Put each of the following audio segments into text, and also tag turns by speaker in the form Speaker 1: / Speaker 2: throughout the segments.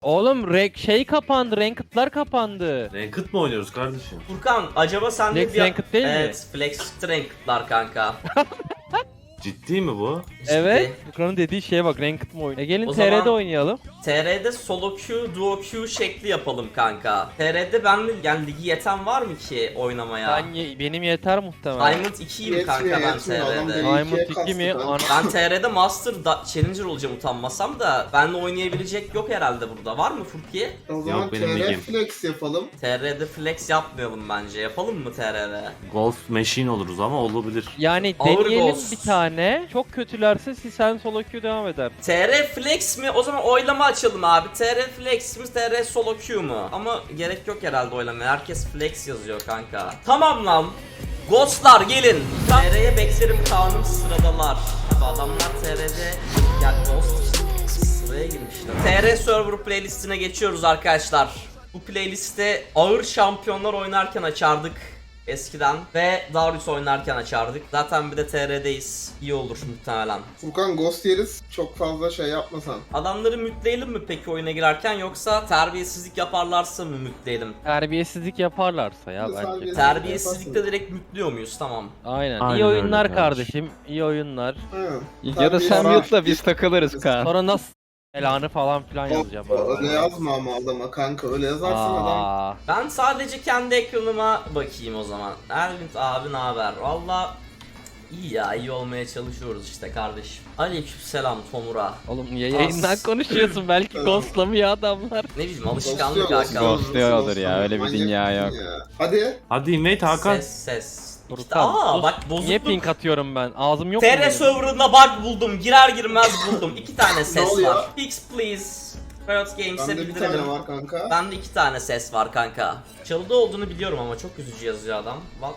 Speaker 1: Oğlum şey kapandı, ranked'lar kapandı.
Speaker 2: Ranked mı oynuyoruz kardeşim?
Speaker 3: Furkan acaba sen de
Speaker 1: Flex ranked değil mi?
Speaker 3: Evet, Flex ranked'lar kanka.
Speaker 2: Ciddi mi bu?
Speaker 1: Evet. Furkan'ın dediği şeye bak, ranked mı oyun? Gelin
Speaker 3: O
Speaker 1: TR'de
Speaker 3: zaman-
Speaker 1: oynayalım.
Speaker 3: TR'de solo queue, duo queue şekli yapalım kanka. TR'de ben de yani ligi yeten var mı ki oynamaya?
Speaker 1: Benim yeter muhtemelen.
Speaker 3: Diamond 2'yim kanka ben TR'de.
Speaker 1: Diamond 2 mi?
Speaker 3: Ben TR'de Master Challenger olacağım utanmasam da benle oynayabilecek yok herhalde burada. Var mı Furki?
Speaker 4: O zaman
Speaker 2: Yok, benim
Speaker 4: TR
Speaker 2: ligim.
Speaker 4: Flex yapalım.
Speaker 3: TR'de flex yapmayalım bence. Yapalım mı TR'de?
Speaker 2: Golf machine oluruz ama olabilir.
Speaker 1: Yani
Speaker 3: Ağır
Speaker 1: deneyelim
Speaker 3: Ghost.
Speaker 1: bir tane. Çok kötülerse sen solo queue devam eder.
Speaker 3: TR Flex mi? O zaman oylama açalım abi. TR Flex mi? TR Solo Q mu? Ama gerek yok herhalde oylamaya. Herkes Flex yazıyor kanka. Tamam lan. Ghostlar gelin. TR'ye beklerim kanım sıradalar. Abi adamlar TR'de ya Ghost için sıraya girmişler. TR Server playlistine geçiyoruz arkadaşlar. Bu playlistte ağır şampiyonlar oynarken açardık eskiden ve Darius oynarken açardık. Zaten bir de TR'deyiz. İyi olur muhtemelen.
Speaker 4: Furkan Ghost yeriz. Çok fazla şey yapmasan.
Speaker 3: Adamları mütleyelim mi peki oyuna girerken yoksa terbiyesizlik yaparlarsa mı mütleyelim?
Speaker 1: Terbiyesizlik yaparlarsa ya bence.
Speaker 4: Terbiyesiz-
Speaker 3: Terbiyesizlikte direkt mütlüyor muyuz? Tamam.
Speaker 1: Aynen.
Speaker 2: Aynen
Speaker 1: İyi oyunlar
Speaker 2: öyle kardeşim.
Speaker 1: kardeşim. İyi oyunlar.
Speaker 4: Ha.
Speaker 5: Ya da sen mute'la biz takılırız Kaan.
Speaker 1: Sonra nasıl belanı falan filan yazacağım.
Speaker 4: Öyle yazma ama adama kanka. Öyle yazarsan adam.
Speaker 1: Aa,
Speaker 3: Ben sadece kendi ekranıma bakayım o zaman. Ervin abi ne haber? Valla iyi ya, iyi olmaya çalışıyoruz işte kardeşim. Aleykümselam Tomura.
Speaker 1: oğlum niye yayından konuşuyorsun? Belki ghostlamıyor adamlar.
Speaker 3: Ne bileyim alışkanlık
Speaker 4: Ghostluyor,
Speaker 3: Hakan.
Speaker 5: Ghostluyordur ya, öyle bir
Speaker 4: Manyak
Speaker 5: dünya
Speaker 4: mısın
Speaker 5: yok.
Speaker 4: ya? Hadi.
Speaker 2: Hadi invade Hakan.
Speaker 3: Ses. İşte,
Speaker 1: Furkan,
Speaker 3: bak
Speaker 1: Niye
Speaker 3: bozukluk.
Speaker 1: ping atıyorum ben? Ağzım yok mu
Speaker 3: TR
Speaker 1: benim?
Speaker 3: server'ında bug buldum. Girer girmez buldum. 2 tane ses
Speaker 4: oluyor?
Speaker 3: var. Fix please. Riot Games'e
Speaker 4: Bende bir
Speaker 3: bildirelim.
Speaker 4: tane var kanka.
Speaker 3: Bende 2 tane ses var kanka. Çalıda olduğunu biliyorum ama çok üzücü yazıyor adam. What?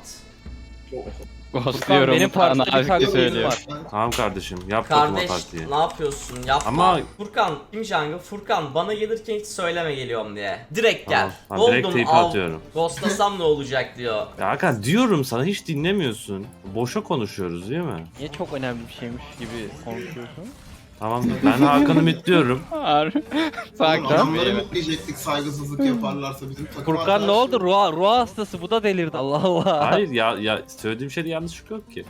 Speaker 5: Ghostluyorum
Speaker 1: benim
Speaker 5: Kaan
Speaker 1: partide bir
Speaker 5: abi
Speaker 1: kanka
Speaker 5: söylüyor.
Speaker 1: var.
Speaker 2: Tamam kardeşim yap bakayım o
Speaker 3: Kardeş
Speaker 2: partiyi.
Speaker 3: ne yapıyorsun? Yapma.
Speaker 2: Ama-
Speaker 3: Furkan, kim Jungle? Furkan bana gelirken hiç söyleme geliyorum diye. Direkt gel.
Speaker 2: Tamam, direkt
Speaker 3: Buldum,
Speaker 2: teyp
Speaker 3: al.
Speaker 2: atıyorum.
Speaker 3: Ghostlasam ne olacak diyor.
Speaker 2: Ya Hakan diyorum sana hiç dinlemiyorsun. Boşa konuşuyoruz değil mi?
Speaker 1: Niye çok önemli bir şeymiş gibi konuşuyorsun?
Speaker 2: Tamam ben Hakan'ı mitliyorum.
Speaker 5: Harbi.
Speaker 4: Oğlum
Speaker 5: Sakin
Speaker 4: adamları
Speaker 5: ol.
Speaker 4: mütleyecektik saygısızlık yaparlarsa bizim takım
Speaker 1: Furkan ne
Speaker 4: arkadaşlar-
Speaker 1: oldu? Ruh hastası, bu da delirdi. Allah Allah.
Speaker 2: Hayır ya söylediğim şeyde yanlışlık yok ki.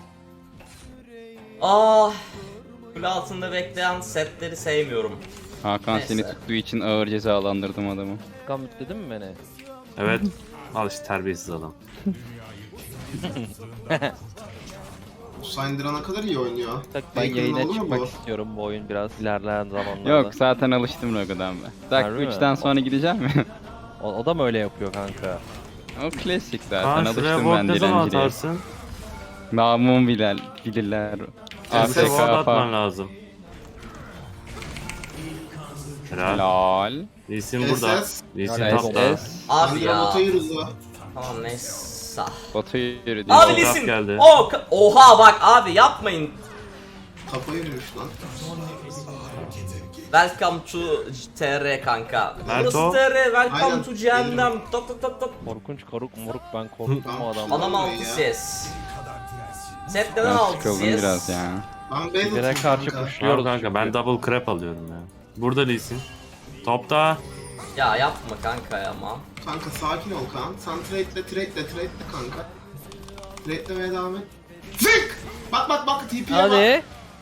Speaker 3: Ah. Kule altında bekleyen setleri sevmiyorum.
Speaker 5: Hakan
Speaker 3: Neyse.
Speaker 5: seni tuttuğu için ağır cezalandırdım adamı.
Speaker 1: Furkan mütledin mi beni?
Speaker 2: Evet. Al işte terbiyesiz adam.
Speaker 4: Syndra ne kadar iyi oynuyor.
Speaker 1: Tak ben
Speaker 4: Faker'ın
Speaker 1: yayına
Speaker 4: oldu mu
Speaker 1: çıkmak
Speaker 4: bu?
Speaker 1: istiyorum bu oyun biraz ilerleyen zamanlarda.
Speaker 5: Yok zaten alıştım Rogo'dan ben.
Speaker 1: Harbi
Speaker 5: Dakika
Speaker 1: mi?
Speaker 5: 3'ten sonra gideceğim mi?
Speaker 1: O da mı öyle yapıyor kanka?
Speaker 5: O klasik zaten
Speaker 2: Kaan şuraya
Speaker 5: alıştım
Speaker 2: ward
Speaker 5: ben
Speaker 2: ne zaman
Speaker 5: dilenciliğe.
Speaker 2: atarsın?
Speaker 5: Namum bilirler.
Speaker 4: Abi,
Speaker 2: Bize ward
Speaker 5: AFK
Speaker 2: atman
Speaker 5: falan.
Speaker 2: lazım. Helal.
Speaker 5: Lol.
Speaker 2: Lee Sin burada.
Speaker 4: SS.
Speaker 2: Lee Sin
Speaker 1: Helal.
Speaker 2: tapta.
Speaker 5: SS.
Speaker 3: Abi
Speaker 4: Syndra
Speaker 3: ya.
Speaker 4: bota yürüdü.
Speaker 3: Tamam neyse.
Speaker 5: Batu yürüdü.
Speaker 3: Abi
Speaker 2: Fotoğraf
Speaker 3: listen.
Speaker 2: geldi.
Speaker 3: Oha bak abi yapmayın.
Speaker 4: Kafayı yürümüş lan.
Speaker 3: Welcome to TR kanka.
Speaker 2: Merto.
Speaker 3: Burası TR, welcome
Speaker 4: Aynen,
Speaker 3: to cehennem. Tat tat tat tat.
Speaker 1: Korkunç moruk ben korktum o adamı.
Speaker 3: Adam
Speaker 4: Olmuyor
Speaker 3: altı
Speaker 4: ya.
Speaker 3: ses. Set neden
Speaker 5: Ben
Speaker 3: altı
Speaker 5: sıkıldım
Speaker 3: ses?
Speaker 5: biraz ya.
Speaker 4: Ben
Speaker 1: Birine
Speaker 4: Beyzat'ım
Speaker 1: karşı
Speaker 4: kanka.
Speaker 1: kuşluyoruz.
Speaker 2: Tamam kanka ben
Speaker 1: çünkü.
Speaker 2: double crap alıyorum ya. Burada Lee Sin. Topta.
Speaker 3: Ya yapma kanka ya ama.
Speaker 4: Kanka sakin ol Kaan. Sen trade'le kanka. Trade'lemeye devam et. Zık! Bak TP'ye bak.
Speaker 1: Hadi.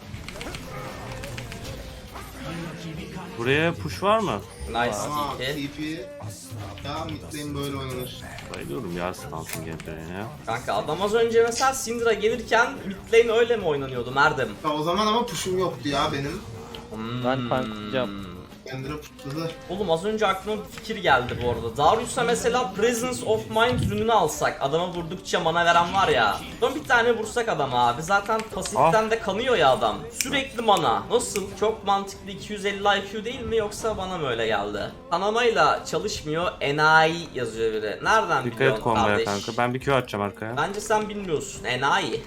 Speaker 2: Buraya push var mı?
Speaker 3: Nice
Speaker 4: Aa,
Speaker 3: TP.
Speaker 4: TP. Ya midlane böyle oynanır.
Speaker 2: Bayılıyorum ya Stans'ın gameplay'ine ya.
Speaker 3: Kanka adam az önce mesela Syndra gelirken mid lane öyle mi oynanıyordu Merdem?
Speaker 4: Ya o zaman ama push'um yoktu ya benim.
Speaker 1: Ben tanklayacağım.
Speaker 4: Kendine putladı.
Speaker 3: Oğlum az önce aklıma bir fikir geldi bu arada. Darius'a mesela Presence of Mind ürününü alsak. Adama vurdukça mana veren var ya. Son bir tane vursak adama abi. Zaten pasiften de kanıyor ya adam. Sürekli mana. Nasıl? Çok mantıklı 250 IQ değil mi yoksa bana mı öyle geldi? Kanamayla çalışmıyor. Enayi yazıyor biri. Nereden
Speaker 2: Dikkat et
Speaker 3: biliyorsun
Speaker 2: komboya
Speaker 3: kardeş?
Speaker 2: kanka. Ben bir Q atacağım arkaya.
Speaker 3: Bence sen bilmiyorsun. Enayi.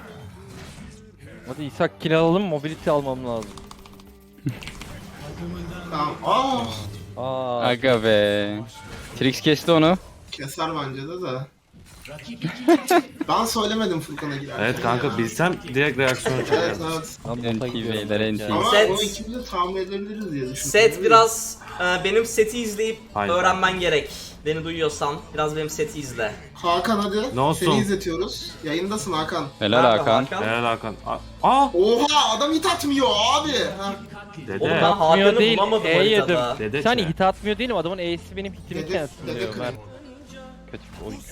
Speaker 1: Hadi İshak kill alalım, mobility almam lazım.
Speaker 4: Tamam.
Speaker 1: Aa,
Speaker 5: Aga be. Trix kesti onu.
Speaker 4: Keser bence de. Ben söylemedim Furkan'a girerken.
Speaker 2: Evet kanka
Speaker 4: ya.
Speaker 2: bilsem direkt reaksiyon
Speaker 4: Evet
Speaker 2: çekerdim.
Speaker 4: evet.
Speaker 1: Ben bota gidiyorum.
Speaker 5: NTV'ler
Speaker 1: bence.
Speaker 5: NTV.
Speaker 4: Ama
Speaker 3: Set-
Speaker 4: onu ikimiz de tahmin edebiliriz diye düşündüm.
Speaker 3: Set biraz benim seti izleyip
Speaker 2: Hayır.
Speaker 3: öğrenmen gerek. Beni duyuyorsan biraz benim seti izle.
Speaker 4: Hakan hadi.
Speaker 2: Ne olsun?
Speaker 4: Seni izletiyoruz. Yayındasın Hakan.
Speaker 5: Helal
Speaker 3: Nerede
Speaker 5: Hakan.
Speaker 2: Helal Hakan. Aa!
Speaker 4: Oha adam hit atmıyor abi. Ha.
Speaker 3: Oğlum
Speaker 2: Dede.
Speaker 3: ben
Speaker 1: Atmıyor
Speaker 3: Hakan'ı
Speaker 1: değil,
Speaker 3: bulamadım
Speaker 1: E yedim.
Speaker 3: haritada.
Speaker 2: Dede
Speaker 1: Sen
Speaker 2: çene.
Speaker 1: hit atmıyor değilim, adamın E'si benim hitimi
Speaker 4: Dede,
Speaker 1: cancel
Speaker 4: dede
Speaker 1: diyor.
Speaker 4: kırık.
Speaker 1: Ben kötü bir oyun.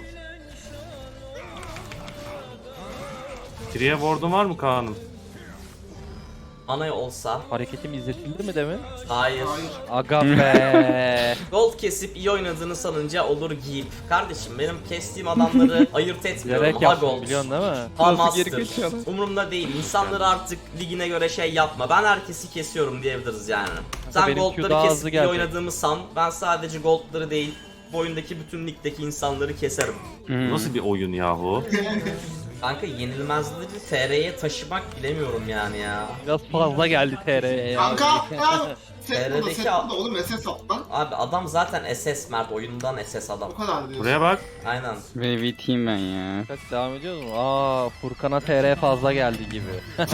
Speaker 2: Triye ward'un var mı Kaan'ım?
Speaker 3: Ana olsa.
Speaker 1: Hareketim izletildi mi demin?
Speaker 3: Hayır.
Speaker 4: Hayır.
Speaker 1: Aga be.
Speaker 3: Gold kesip iyi oynadığını sanınca olur giyip. Kardeşim benim kestiğim adamları ayırt etmiyorum.
Speaker 1: Gerek
Speaker 3: Ha
Speaker 1: yaptım
Speaker 3: gold.
Speaker 1: biliyorsun değil mi?
Speaker 3: Ha
Speaker 5: Nasıl
Speaker 3: master.
Speaker 5: geri kaçıyorlar?
Speaker 3: Umurumda değil. İnsanları artık ligine göre şey yapma. Ben herkesi kesiyorum diyebiliriz yani. Sen
Speaker 1: benim Q
Speaker 3: goldları
Speaker 1: daha hızlı
Speaker 3: kesip iyi
Speaker 1: gelecek.
Speaker 3: oynadığımı san. Ben sadece goldları değil, bu oyundaki bütün ligdeki insanları keserim.
Speaker 5: Hmm.
Speaker 2: Nasıl bir oyun yahu?
Speaker 3: Kanka yenilmezleri TR'ye taşımak bilemiyorum yani ya.
Speaker 1: Biraz fazla geldi TR'ye ya.
Speaker 4: Kanka ya. Set burada,
Speaker 3: TR'deki
Speaker 4: set burada oğlum SS at lan.
Speaker 3: Abi adam zaten SS Mert, oyundan SS adam.
Speaker 4: O kadar diyorsun.
Speaker 2: Buraya bak.
Speaker 3: Aynen.
Speaker 5: VVT'yim ben ya.
Speaker 1: Bak devam ediyoruz mu? Aa, Furkan'a TR fazla geldi gibi.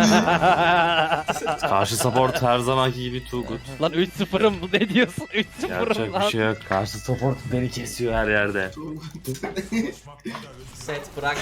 Speaker 2: Karşı support her zamanki gibi too good.
Speaker 1: Lan 3-0'ım ne diyorsun? 3-0'ım
Speaker 2: Yapacak
Speaker 1: lan.
Speaker 2: bir şey yok. Karşı support beni kesiyor her yerde.
Speaker 3: Set bırak.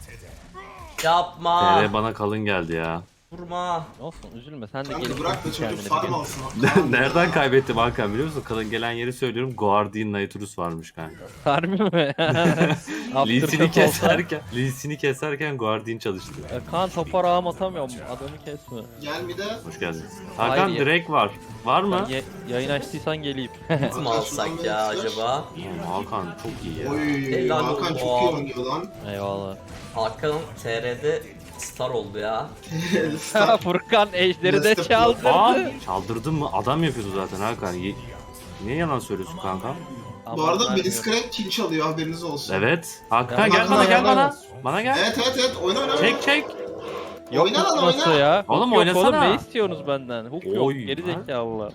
Speaker 3: Yapma.
Speaker 2: TR bana kalın geldi ya.
Speaker 3: Vurma.
Speaker 1: Olsun üzülme sen de
Speaker 4: Kanka
Speaker 1: gelip
Speaker 4: bırak da
Speaker 1: kendini
Speaker 4: çocuk
Speaker 1: bir
Speaker 4: farm
Speaker 1: gel.
Speaker 4: alsın.
Speaker 2: Nereden kaybettim Hakan biliyor musun? Kalın gelen yeri söylüyorum. Guardian Nitrus varmış kanka.
Speaker 1: Harbi mi?
Speaker 2: Lee'sini keserken Guardian çalıştı.
Speaker 1: Kaan topar ağım atamıyorum. Adamı kesme.
Speaker 4: Gel bir de.
Speaker 2: Hoş geldin.
Speaker 1: Hayır
Speaker 2: Hakan
Speaker 1: ya.
Speaker 2: Drake var. Var mı?
Speaker 1: Yayın açtıysan geleyim.
Speaker 3: Kim alsak ya acaba?
Speaker 2: Oğlum Hakan çok iyi ya.
Speaker 4: Oy
Speaker 3: Helal
Speaker 4: Hakan
Speaker 3: olsun.
Speaker 4: çok iyi oynuyor lan.
Speaker 1: Eyvallah.
Speaker 3: Hakan TR'de star oldu ya.
Speaker 1: Furkan ejderi de
Speaker 4: Destek
Speaker 2: Aa,
Speaker 1: çaldırdı.
Speaker 2: çaldırdın mı? Adam yapıyordu zaten Hakan. Niye yalan söylüyorsun kanka?
Speaker 4: Bu arada Melis Crack kill çalıyor haberiniz olsun.
Speaker 2: Evet. Hakan
Speaker 1: Ya,
Speaker 2: gel
Speaker 4: Hakan
Speaker 2: bana gel
Speaker 4: haber
Speaker 2: bana.
Speaker 4: ver.
Speaker 2: Bana gel.
Speaker 4: Evet oyna oyna.
Speaker 2: Çek çek.
Speaker 1: Yok
Speaker 4: Oyna lan,
Speaker 1: nasıl
Speaker 4: oyna.
Speaker 1: ya?
Speaker 2: Oğlum,
Speaker 1: Hook yok
Speaker 2: oynasana.
Speaker 1: oğlum ne istiyorsunuz benden? Hook yok
Speaker 2: Oy,
Speaker 1: geri
Speaker 2: ha?
Speaker 1: zekalılar.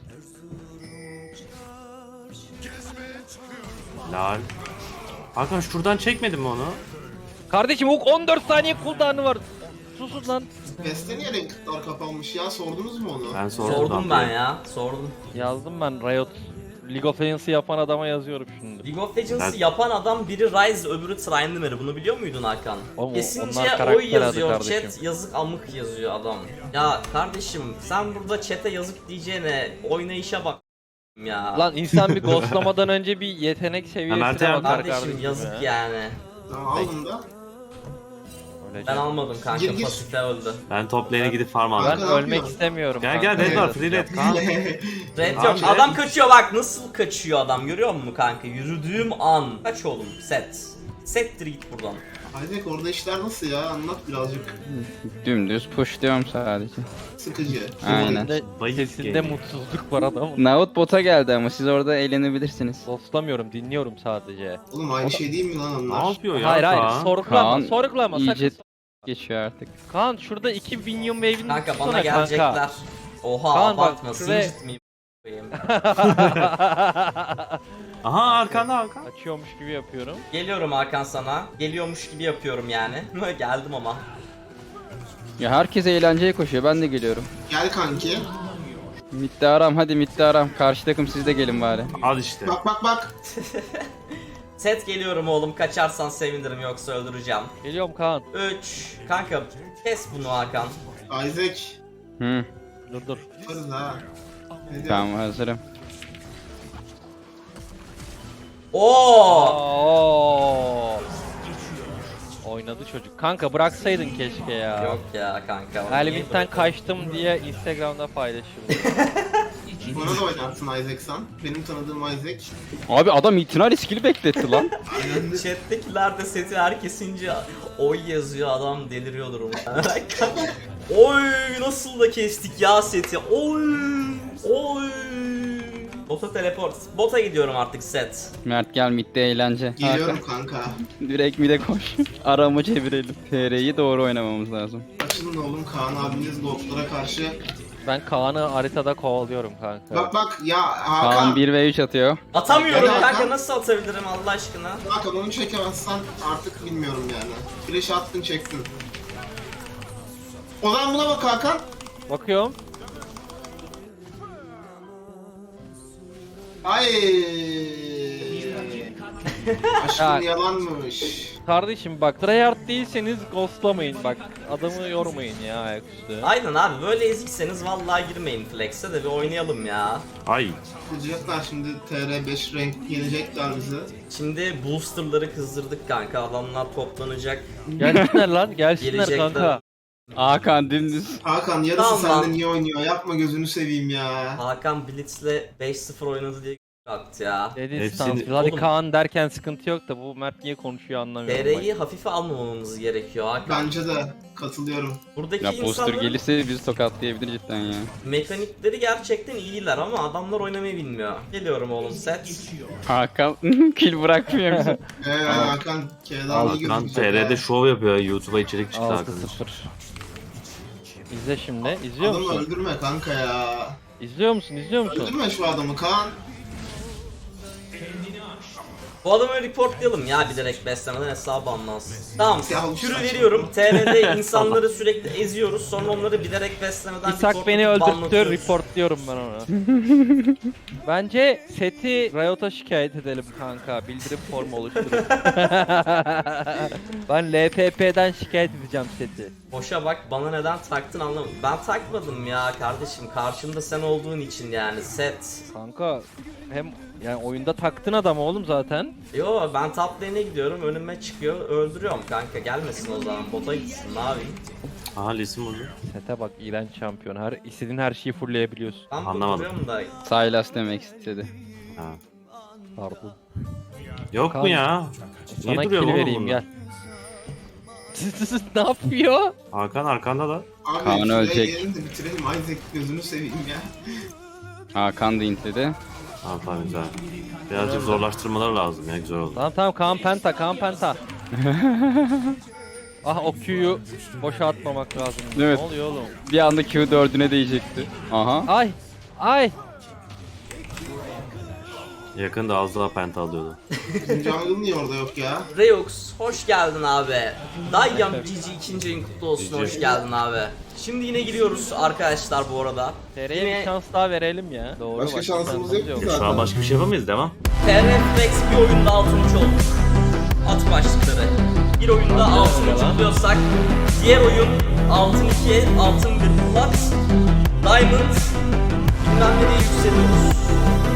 Speaker 2: Lal. Hakan şuradan çekmedin mi onu?
Speaker 1: Kardeşim Hook 14 saniye cooldown'ı var. Susun lan.
Speaker 4: Beste niye renkler kapanmış ya sordunuz mu onu?
Speaker 2: Ben sordum.
Speaker 3: Sordum ben ya. Sordum.
Speaker 1: Yazdım ben Riot. League of Legends'ı yapan adama yazıyorum şimdi.
Speaker 3: League of Legends'ı
Speaker 2: Ben-
Speaker 3: yapan adam biri Ryze öbürü Tryndamere. Bunu biliyor muydun Hakan?
Speaker 1: Oğlum,
Speaker 3: Kesince
Speaker 1: onlar karakter
Speaker 3: oy yazıyor
Speaker 1: adı kardeşim.
Speaker 3: chat, yazık amık yazıyor adam. Ya kardeşim sen burada chat'e yazık diyeceğine oynayışa bak ya.
Speaker 1: Lan insan bir ghostlamadan önce bir yetenek
Speaker 2: Mert
Speaker 1: seviyesine
Speaker 2: yardım-
Speaker 1: bakar
Speaker 3: kardeşim
Speaker 1: kardeşim
Speaker 3: yazık
Speaker 1: ya.
Speaker 3: yani.
Speaker 4: Tamam aldın da.
Speaker 1: Öyle
Speaker 3: Ben
Speaker 1: canım.
Speaker 3: almadım kanka,
Speaker 4: Gir, gir.
Speaker 3: pasifte öldü.
Speaker 2: Ben top lane'e gidip farm
Speaker 1: Ben
Speaker 2: aldım.
Speaker 4: Kanka, ne
Speaker 1: ölmek
Speaker 4: yapıyorsun?
Speaker 1: istemiyorum.
Speaker 2: Gel
Speaker 1: kanka.
Speaker 2: gel red var free red Kaan.
Speaker 3: Red
Speaker 2: Abi,
Speaker 3: yok.
Speaker 2: red-
Speaker 3: Adam kaçıyor bak, nasıl kaçıyor adam, görüyor musun kanka? Yürüdüğüm an. Kaç oğlum set. Settir git buradan.
Speaker 4: Isaac orada işler nasıl ya? Anlat birazcık.
Speaker 5: Dümdüz push diyorum sadece.
Speaker 4: Sıkıcı.
Speaker 5: Aynen.
Speaker 1: Sesinde,
Speaker 2: Bayık
Speaker 1: sesinde
Speaker 2: geliyor.
Speaker 1: mutsuzluk var adamın.
Speaker 5: Naut bota geldi ama siz orada eğlenebilirsiniz.
Speaker 1: Ghostlamıyorum dinliyorum sadece.
Speaker 4: Oğlum aynı şey değil mi lan onlar?
Speaker 2: Ne yapıyor ya
Speaker 1: Hayır hayır
Speaker 2: Kaan?
Speaker 1: sorgulama
Speaker 5: Kaan
Speaker 1: sorgulama
Speaker 5: iyice
Speaker 1: sakın.
Speaker 5: geçiyor artık.
Speaker 1: Kaan şurada 2 Minion Wave'ini
Speaker 3: Kanka
Speaker 1: tutsana
Speaker 3: bana gelecekler.
Speaker 1: kanka.
Speaker 3: Oha
Speaker 1: Kaan bak,
Speaker 3: abartma,
Speaker 1: şuraya-
Speaker 3: sincit miyim?
Speaker 2: Aha arkanda Hakan.
Speaker 1: Açıyormuş gibi yapıyorum.
Speaker 3: Geliyorum Hakan sana. Geliyormuş gibi yapıyorum yani. Geldim ama.
Speaker 5: Ya herkes eğlenceye koşuyor ben de geliyorum.
Speaker 4: Gel kanki.
Speaker 5: Midde aram hadi midde aram. Karşı takım siz de gelin bari.
Speaker 2: Al işte.
Speaker 4: Bak.
Speaker 3: Set geliyorum oğlum, kaçarsan sevinirim yoksa öldüreceğim.
Speaker 1: Geliyorum Kaan.
Speaker 3: 3. Kanka kes bunu Hakan.
Speaker 4: Isaac.
Speaker 5: Hı.
Speaker 1: Dur.
Speaker 4: Yaparız ha. Ne diyorsun?
Speaker 5: Tamam hazırım.
Speaker 3: Oo!
Speaker 1: Oo. Oynadı çocuk. Kanka bıraksaydın keşke ya.
Speaker 3: Yok ya kanka. onu niye
Speaker 1: Elbitten
Speaker 3: bırakıyorsun?
Speaker 1: kaçtım diye Instagram'da paylaşıyorum.
Speaker 4: Bana da oynarsın Isaac sen. Benim tanıdığım Isaac.
Speaker 5: Abi adam itina riskini bekletti lan.
Speaker 3: Chat'tekiler de seti herkesince oy yazıyor, adam deliriyordur muhtemelen. Oy nasıl da kestik ya seti. Oy. Bota teleport. Bota gidiyorum artık set.
Speaker 5: Mert gel midde eğlence.
Speaker 4: Geliyorum kanka.
Speaker 5: Direkt mid'e koş. Aramı çevirelim. TR'yi doğru oynamamız lazım.
Speaker 4: Açılın oğlum Kaan abiniz Lord'lara karşı
Speaker 1: Ben Kaan'ı haritada kovalıyorum kanka.
Speaker 4: Bak bak ya
Speaker 5: Kaan
Speaker 4: Hakan.
Speaker 5: 1v3 atıyor.
Speaker 3: Atamıyorum
Speaker 4: Gel
Speaker 3: kanka,
Speaker 4: Hakan.
Speaker 3: nasıl atabilirim Allah aşkına?
Speaker 4: Hakan onu çekemezsen artık bilmiyorum yani. Flash attın çektin. O zaman buna bak Hakan.
Speaker 1: Bakıyorum.
Speaker 4: Ay. Aşkım
Speaker 1: Ya.
Speaker 4: yalanmış.
Speaker 1: Kardeşim bak tryhard değilseniz ghostlamayın bak. Adamı yormayın ya ayaküstü.
Speaker 3: Aynen abi, böyle ezikseniz vallahi girmeyin Flex'e de bir oynayalım ya.
Speaker 2: Ay.
Speaker 4: Kızacaklar şimdi TR5 renk yenecekler bizi.
Speaker 3: Şimdi boosterları kızdırdık kanka, adamlar toplanacak.
Speaker 1: Gelsinler lan gelsinler
Speaker 3: Gelecekler.
Speaker 1: kanka.
Speaker 5: Hakan dümdüz.
Speaker 4: Hakan yarısı
Speaker 3: Tamam lan.
Speaker 4: senden iyi oynuyor. Yapma gözünü seveyim ya.
Speaker 3: Hakan Blitz'le 5-0 oynadı diye attı ya.
Speaker 1: Dedi
Speaker 2: Hepsini-
Speaker 1: stans. Hadi
Speaker 3: Oğlum.
Speaker 1: Kaan derken sıkıntı yok da bu Mert niye konuşuyor anlamıyorum.
Speaker 3: TR'yi hafife almamamız gerekiyor Hakan.
Speaker 4: Bence de katılıyorum.
Speaker 3: Buradaki
Speaker 5: Ya poster
Speaker 3: insanların
Speaker 5: gelirse bizi tokatlayabilir cidden ya.
Speaker 3: mekanikleri gerçekten iyiler ama adamlar oynamayı bilmiyor. Geliyorum oğlum set.
Speaker 5: Hakan kill bırakmıyor bizi.
Speaker 4: Hakan K'dan iyi
Speaker 2: Hakan
Speaker 4: gözükecek
Speaker 2: TR'de
Speaker 4: ha.
Speaker 2: şov yapıyor. YouTube'a içerik çıktı
Speaker 1: 6-0.
Speaker 2: arkadaşlar.
Speaker 1: İzle şimdi. İzliyor
Speaker 4: Adamı
Speaker 1: musun?
Speaker 4: öldürme kanka ya.
Speaker 1: İzliyor musun? İzliyor musun?
Speaker 4: Öldürme şu adamı Kaan.
Speaker 3: Bu adamı reportlayalım ya, bilerek beslemeden hesabı anlansın. Tamam,
Speaker 4: Ya bu
Speaker 3: kürü
Speaker 4: saçma.
Speaker 3: veriyorum. TR'de insanları sürekli eziyoruz, sonra onları bilerek beslemeden
Speaker 1: İshak beni
Speaker 3: reportlatıp
Speaker 1: öldürttü,
Speaker 3: banlatıyoruz.
Speaker 1: reportluyorum ben onu. Bence seti Riot'a şikayet edelim kanka, bildirim formu oluşturup. Ben LPP'den şikayet edeceğim seti.
Speaker 3: Boşa bak, bana neden taktın anlamadım. Ben takmadım ya kardeşim, karşımda sen olduğun için yani set.
Speaker 1: Kanka hem yani oyunda taktın adamı oğlum zaten.
Speaker 3: Yo, ben top lane'e gidiyorum, önüme çıkıyor, öldürüyorum kanka, gelmesin o zaman, bota gitsin, ne yapayım?
Speaker 2: Aha Lisim oldu.
Speaker 1: Sete bak, iğrenç şampiyon. İstediğin her şeyi fullleyebiliyorsun.
Speaker 3: Ben
Speaker 2: Anlamadım.
Speaker 3: duruyorum da
Speaker 5: Sylas demek istedi.
Speaker 2: Ha.
Speaker 1: Pardon.
Speaker 2: Yok
Speaker 1: Kaan,
Speaker 2: mu ya? Niye
Speaker 1: Sana
Speaker 2: duruyor
Speaker 1: kill
Speaker 2: oğlum
Speaker 1: vereyim
Speaker 2: bunlar?
Speaker 1: gel. Ne yapıyor?
Speaker 2: Hakan arkanda da.
Speaker 4: Abi
Speaker 5: Kaan
Speaker 4: şuraya
Speaker 5: ölecek.
Speaker 4: gelin de bitirelim Isaac gözünü seveyim ya.
Speaker 5: Hakan da intledi.
Speaker 2: Tamam tamam güzel. Birazcık zorlaştırmalar lazım ya, güzel oldu.
Speaker 1: Tamam tamam, Kaan Penta, Kaan Penta. Ah, o Q'yu boşa atmamak lazım.
Speaker 5: Evet.
Speaker 1: Ne oluyor oğlum?
Speaker 5: Bir anda Q4'üne değecekti. Aha.
Speaker 1: Ay! Ay!
Speaker 2: Yakında az daha penta alıyordu.
Speaker 4: Bizim jungle niye orada yok ya?
Speaker 3: Reux, hoş geldin abi. Dayyam GG 2. ayın kutlu olsun, hoş geldin abi. Şimdi yine giriyoruz arkadaşlar bu arada.
Speaker 1: TR'ye
Speaker 3: Yine
Speaker 1: bir şans daha verelim ya. Doğru.
Speaker 4: Başka şansımız yok ki
Speaker 2: Şu an
Speaker 4: zaten.
Speaker 2: başka bir şey yapamayız, devam.
Speaker 3: TR Flex bir oyunda 6. olduk. At başlıkları. Bir oyunda 6. oluyorsak diğer oyun altın 2, altın 1 plat, diamond bilmem nereye yükseliyoruz.